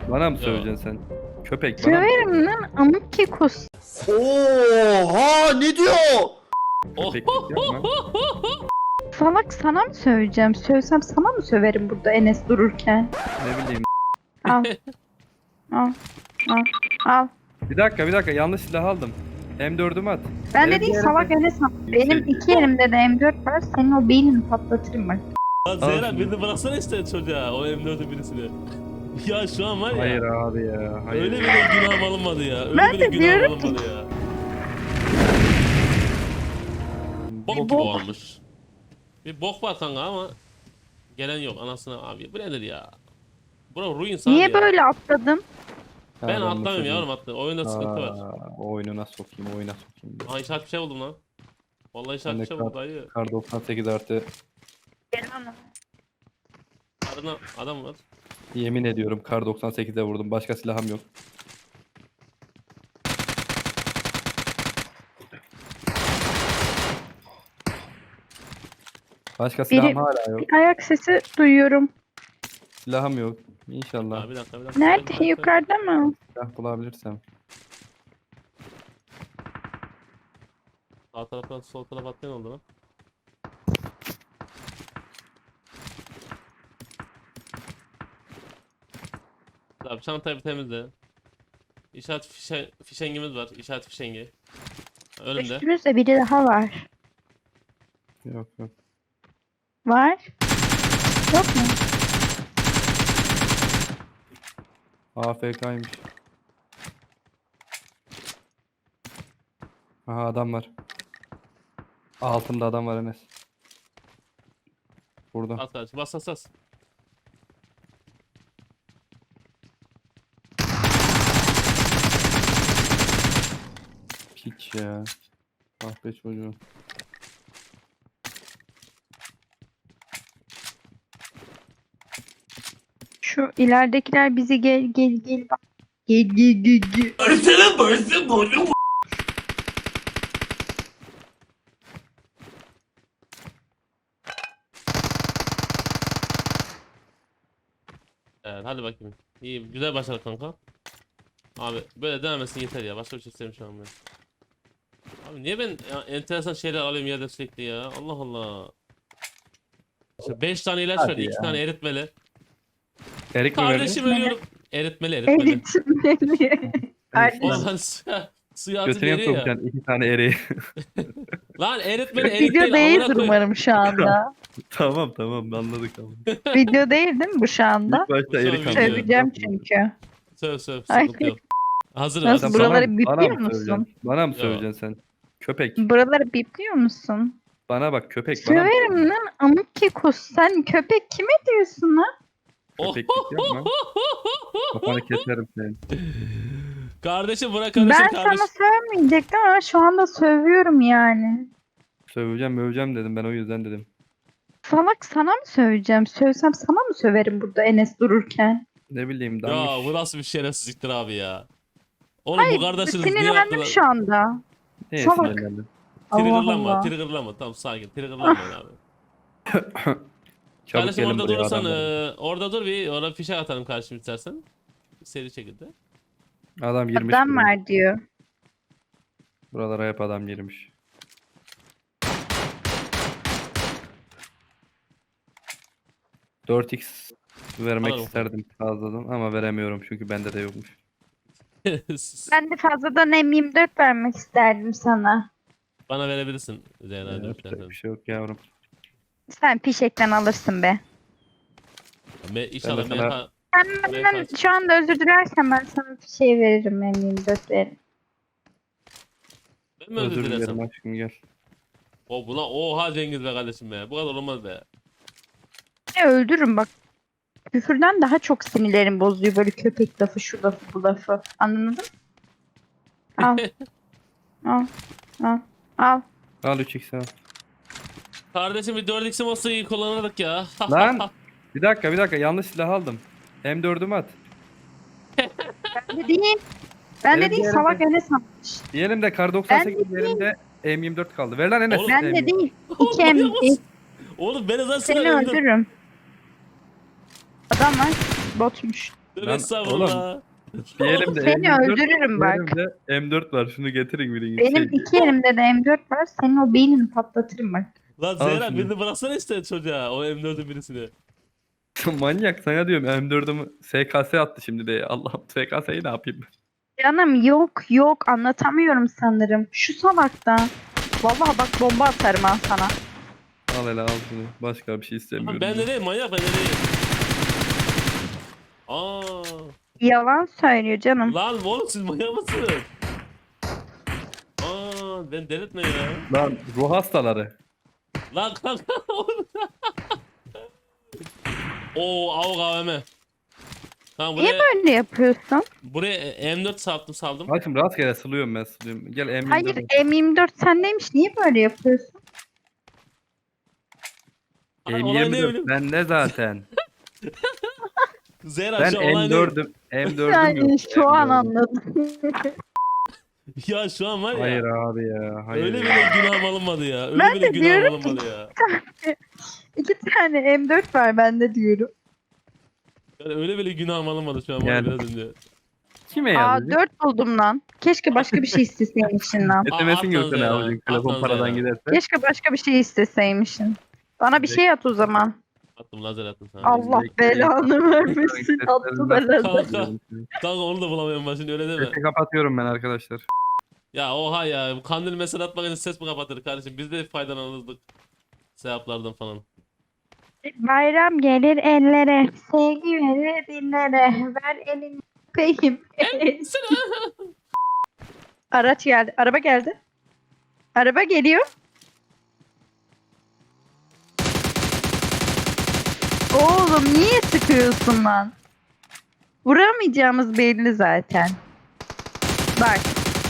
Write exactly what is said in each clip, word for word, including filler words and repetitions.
Bana mı Yo. söyleyeceksin sen? Köpek bana mı? Söverim lan amık kekus. Oha ne diyor? Köpeklik yapma. Salak sana mı söveceğim? Sövsem sana mı söverim burada Enes dururken? Ne bileyim. Al. Al. Al. Al. Bir dakika bir dakika yanlış silah aldım. M dördümü at. Ben Benim de değil bir salak yerimde- Enes. Benim iki elimde de M dört var. Senin o beynini patlatırım bak. Lan Al Zehra şunu. birini bıraksana işte çocuğa o M dört'ün birisini. Ya şu an var ya. Hayır abi ya. Hayır. Öyle bile günahım alınmadı ya. Öyle Ben bile de günahım diyorum ki- alınmadı ya. Bok Bok- gibi olmuş. Bir bok var kanka ama gelen yok anasına abi. Bu nedir ya? Bura ruin abi Niye ya. böyle atladım? Ben Pardon, atlamıyorum söyleyeyim. yavrum atlı. Oyunda sıkıntı var. Aa, o oyununa sokayım oyuna sokayım. Aha işaret bir şey buldum lan. Vallahi Ben işaret de bir şey buldum dayı. Kar doksan sekiz artı. Adına adam var. Yemin ediyorum kar doksan sekize vurdum. Başka silahım yok. Başka silahım Biri- hala yok. Bir ayak sesi duyuyorum. Silahım yok. İnşallah Aa, bir dakika bir dakika. Nerede? Bir dakika. Yukarıda mı? silah bulabilirsem. Sağ taraftan sol tarafa atlayan oldu lan. Abi çantayı bir temizle. İşaret fişe, fişengimiz var. İşaret fişengi. Önümde. Üstümüzde biri daha var. Yok yok. Var. Yok mu? A F K'ymış. Aha adam var. Altımda adam var Enes. Burada. At kardeşim bas bas bas. Piç ya. Ah be çocuğum. Şu ileridekiler bizi gel gel gel bak. Gel gel gel gel. Evet hadi bakayım. İyi güzel başladık kanka. Abi böyle devam etsin yeter ya. Başka bir şey istemiyorum şu an ben. Abi niye ben ya, enteresan şeyler alıyorum yerde sürekli ya. Allah Allah. İşte beş tane ilaç Hadi verdi, iki ya. tane eritmeli. Erik mi verdi? Kardeşim ölüyorum. Eritmeli, eritmeli. Eğitimleri. Kardeşim. Ulan suya, suya atı Götüne deri ya. sokacaksın iki tane eriği. Lan eritmeli, erik Video değil. değil amına koyayım. umarım şu anda. Tamam tamam anladık tamam. Video değil değil mi bu şu anda? İlk başta Bu erik son anladım. video. Söveceğim çünkü. Söv söv, Ay. sıkıntı yok. Hazır Nasıl, hazır. buraları Bana- bipliyor bana mı musun? söyleyeceksin? Bana mı Yo. söyleyeceksin sen? Köpek. Buraları bipliyor musun? Bana bak köpek bana mı? Söverim lan amık kekus. Sen köpek kime diyorsun lan? Köpeklik yapma. Kafanı keserim senin. Kardeşim bırak kardeşim Ben kardeşim. sana sövmeyecektim ama şu anda sövüyorum yani. Söveceğim möveceğim dedim ben o yüzden dedim. Salak sana mı söveceğim? Sövsem sana mı söverim burada Enes dururken? Ne bileyim Ya danmış. bu nasıl bir şerefsizliktir abi ya. Oğlum Hayır bu kardeşiniz niye sinirlendim yaptılar? şu anda. Neye salak. sinirlendin? Allah Triggerlanma, Allah. triggerlanma. Tamam sakin, triggerlanmayın abi. Çabuk Kardeşim gelin orada buraya durursan, adamlar. e, orada dur bir, orada fişek atalım karşım istersen. Seri şekilde. Adam girmiş. Adam buraya. var diyor. Buralara hep adam girmiş. dört x vermek Alalım. isterdim fazladan ama veremiyorum çünkü bende de yokmuş. Ben de fazladan M yirmi dört vermek isterdim sana. Bana verebilirsin Zehra Yapacak dörtlerden. bir şey yok yavrum. Sen fişekten alırsın be. Me inşallah Ben de sana- meha- Sen benden kaç- şu anda özür dilersen ben sana fişeği veririm M yirmi dört veririm. Ben mi özür Özür dilerim dilesem? aşkım gel. O buna oha Cengiz be kardeşim be. Bu kadar olmaz be. Ne öldürürüm bak. Küfürden daha çok sinirlerim bozuyor böyle köpek lafı şu lafı bu lafı. Anladın mı? Al. Al. Al. Al. Al üç x al. Kardeşim bir dört x'im olsa iyi kullanırdık ya. Lan! Bir dakika bir dakika yanlış silah aldım. M dördümü at. Ben de değil. Ben Evet, de değil bir salak yerde- Enes atmış. Diyelim kar doksan sekiz Ben de elimde M yirmi dört kaldı. Ver lan Enes. Oğlum, Ben M de yirmi dört. değil. İki M. Oğlum ben zaten Seni sıra öldüm. öldürürüm. Adam var. Botmuş. Tövbe Lan estağfurullah. Bir elimde Seni M yirmi dört, öldürürüm bir bak. elimde M dört var. Şunu getirin birini. Benim Şey, iki elimde de M dört var. Senin o beynini patlatırım bak. Lan Al Zehra şunu. birini bıraksana işte çocuğa o M dördün birisini. manyak sana diyorum M dördümü S K S attı şimdi de. Allah'ım S K S'yi ne yapayım? Canım yok yok anlatamıyorum sanırım. Şu salakta. Vallahi bak bomba atarım ha sana. Al hele al şunu. Başka bir şey istemiyorum. Lan ben de değil manyak ben de değil. Aa, Yalan söylüyor canım. lan oğlum siz manyak mısınız? Aa, ben delirtme ya. Lan ruh hastaları. Lan kanka oğlum. Oo avuk A V M. Tamam Niye buraya, böyle yapıyorsun? buraya M dört saldım saldım. Bak şimdi rastgele sılıyorum ben sılıyorum. Gel M yirmi dört. Hayır M yirmi dört sendeymiş. Niye böyle yapıyorsun? Aha, olay ne M yirmi dört bileyim. bende zaten. Zehra Ben şu olay ne? M dördüm. M dördüm Yani yok. şu an M dördüm. anladım. Ya şu an var ya. Hayır abi ya. Hayır. Öyle ya. bile günahım alınmadı ya. Öyle Ben bile de günahım diyorum ki- alınmadı ya. İki tane M dört var bende diyorum. Yani öyle bile günahım alınmadı şu an var Yani. biraz önce. Kime Aa yazdın? dört buldum lan. Keşke başka bir şey isteseymişsin lan. Aa, S M S'in atlan görsene Zehra, avucun telefon atlan paradan Zehra. giderse. Keşke başka bir şey isteseymişsin. Bana bir şey at o zaman. Attım lazer attım sana. Allah bekle. belanı vermesin. Attı da lazer. Kanka. Kanka onu da bulamıyorum ben şimdi öyle deme. Sesi kapatıyorum ben arkadaşlar. Ya oha ya bu kandil mesele atmak için ses mi kapatır kardeşim? Biz de faydalanırdık. Sevaplardan falan. Bayram gelir ellere, sevgi verir dillere. Ver elini öpeyim. Araç geldi. Araba geldi. Araba geliyor. Oğlum niye sıkıyorsun lan? Vuramayacağımız belli zaten. Bak.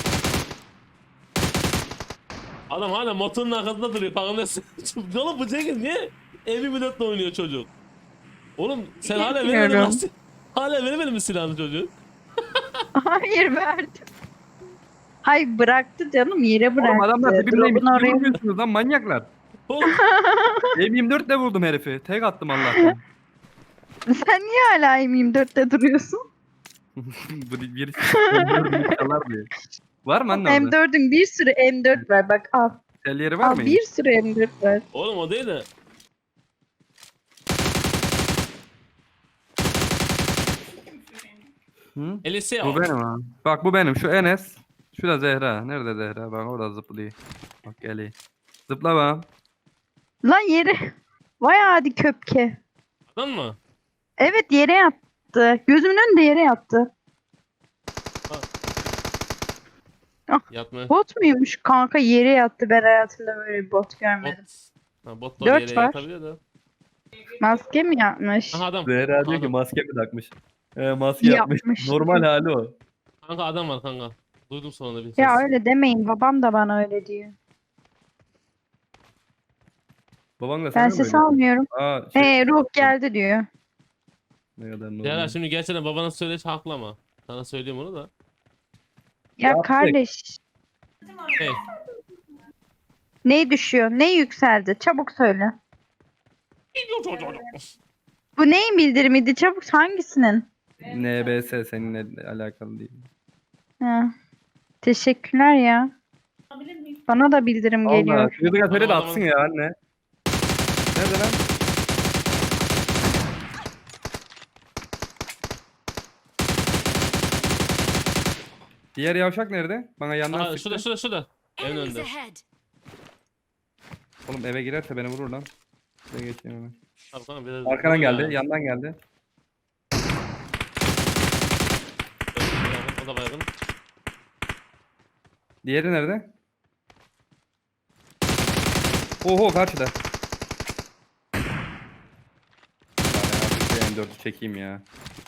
Adam hala motorun arkasında duruyor farkındasın. Oğlum bu Cengiz niye M yirmi dörtle oynuyor çocuk? Oğlum sen hala vermedin mi? Bilmiyorum. lan- Hala vermedin mi silahını çocuk? Hayır verdim. Hay bıraktı canım yere bıraktı. Oğlum adamlar dibimdeymiş. Drop'un Ne oraya- vuruyorsunuz lan manyaklar? Oğlum M yirmi dört ile vurdum herifi. Tek attım Allah'tan. Sen niye hala M yirmi dörtte duruyorsun? Bu bir M dördünü çalar diye. Var mı anne orada? M dördün bir sürü M dört var bak al. Tel yeri var Al mı? bir sürü M dört var. oğlum o değil de. Hı? Elise Bu benim ha. Bak bu benim. Şu Enes. Şu da Zehra. Nerede Zehra? Bak orada zıplıyor. Bak geliyor. Zıpla bak. Lan yere. Vay hadi köpke. Adam mı? Evet yere yattı. Gözümün önünde yere yattı. Yatma. Bot muymuş kanka yere yattı. Ben hayatımda böyle bir bot görmedim. Bot. Ha, bot da Dört yere var. yatabiliyor da. Maske mi yapmış? Aha adam. Zehra diyor ki Adam. maske mi takmış? Ee, maske yapmış. Yapmış. Normal hali o. Kanka adam var kanka. Duydum sonunda bir ses. Ya öyle demeyin. Babam da bana öyle diyor. Baban da Ben sana ses mı öyle? almıyorum. Aa, şey, Ee ruh geldi diyor. ne kadar Ya normal. şimdi gerçekten babana söyleş haklı ama. Sana söyleyeyim onu da. Ya Yaptık. kardeş. Hey. Ne düşüyor? Ne yükseldi? Çabuk söyle. Bu neyin bildirimiydi? Çabuk hangisinin? N B S seninle alakalı değil. Ha. Teşekkürler ya. Bana da bildirim Allah. geliyor. Çocuk atölye de Tamam, atsın tamam. ya anne. Nerede lan? Diğer yavşak nerede? Bana yandan Aa, sıktı. şurada şurada şurada. Evin Enemies önünde. ahead. Oğlum eve girerse beni vurur lan. Şuraya geçeyim hemen. Tamam, tamam, biraz Arkadan dur ya. geldi, yandan geldi. O da baygın. Diğeri nerede? Oho karşıda. Yani artık bir M dördü çekeyim ya.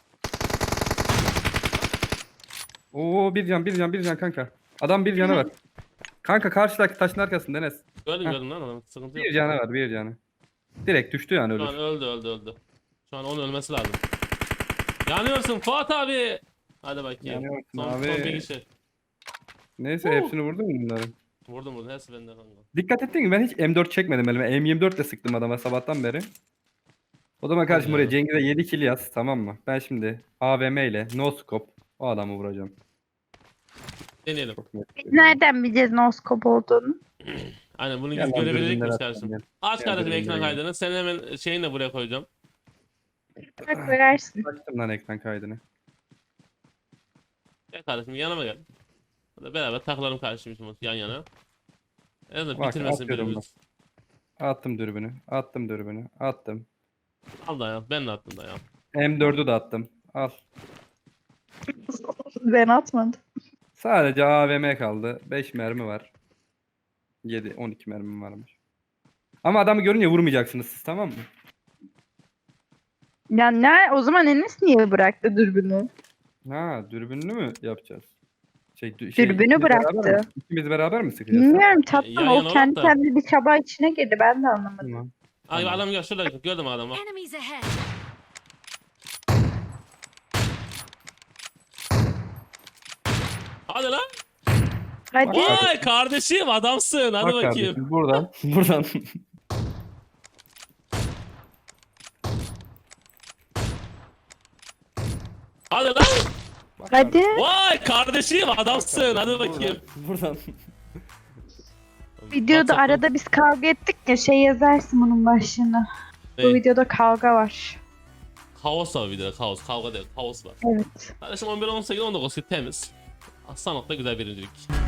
Oo bir can bir can bir can kanka. Adam bir canı var. Kanka karşıdaki taşın arkasında Enes. Gördüm Heh. gördüm lan adam. Sıkıntı yok. Bir canı var bir canı. Direkt düştü yani Şu an ölür. öldü öldü öldü. Şu an onun ölmesi lazım. Yanıyorsun Fuat abi. Hadi bakayım. Yanıyorsun son, abi. son bir kişi. Neyse hepsini vurdun mu bunların? Vurdum vurdum. Hepsi bende kanka. Dikkat ettin mi ben hiç M dört çekmedim elime. M yirmi dört ile sıktım adama sabahtan beri. O zaman kardeşim Hadi buraya ya. Cengiz'e yedi kill yaz, tamam mı? Ben şimdi A V M ile no scope o adamı vuracağım. Deneyelim. Çok net. Biz nereden bileceğiz noskop olduğunu? Aynen bunu Gel yüz lan, görebilirlik dürbünleri miyiz atacağım kardeşim? gel. Aç Gel, kardeşim dürbünleri ekran gel. kaydını. Sen hemen şeyini de buraya koyacağım. Bak koyarsın. Açtım lan ekran kaydını. Gel kardeşim yanıma gel. Hadi beraber takılalım kardeşim şimdi yan yana. En azından Bak, bitirmesin atıyorum birimiz. Attım dürbünü. Attım dürbünü. Attım. Al da ya. Ben de attım da ya. M dördü de attım. Al. Ben atmadım. Sadece A V M kaldı. beş mermi var. yedi on iki mermim varmış. Ama adamı görünce vurmayacaksınız siz, tamam mı? Ya ne? O zaman Enes niye bıraktı dürbünü? Ha, dürbünlü mü yapacağız? Şey, dü- şey, Dürbünü ikimiz beraber mi? bıraktı. İkimiz beraber mi sıkacağız? Bilmiyorum tatlım. yan O yana kendi olarak da- kendine bir çaba içine girdi. Ben de anlamadım. Tamam. Ay Tamam. adam gel şurada gördüm adamı. bak. Enemies ahead. Hadi lan. Hadi. Vay kardeşim adamsın. Hadi Bak bakayım. kardeşim, buradan. Buradan. Hadi lan. Hadi. Vay kardeşim adamsın. Hadi bakayım. Buradan. Videoda WhatsApp'tan- arada biz kavga ettik ya şey yazarsın bunun başlığına. Bu Ne? videoda kavga var. Kaos var videoda kaos. Kavga değil kaos var. Evet. Kardeşim on bir on sekiz on dokuz temiz. Sanatla güzel birincilik.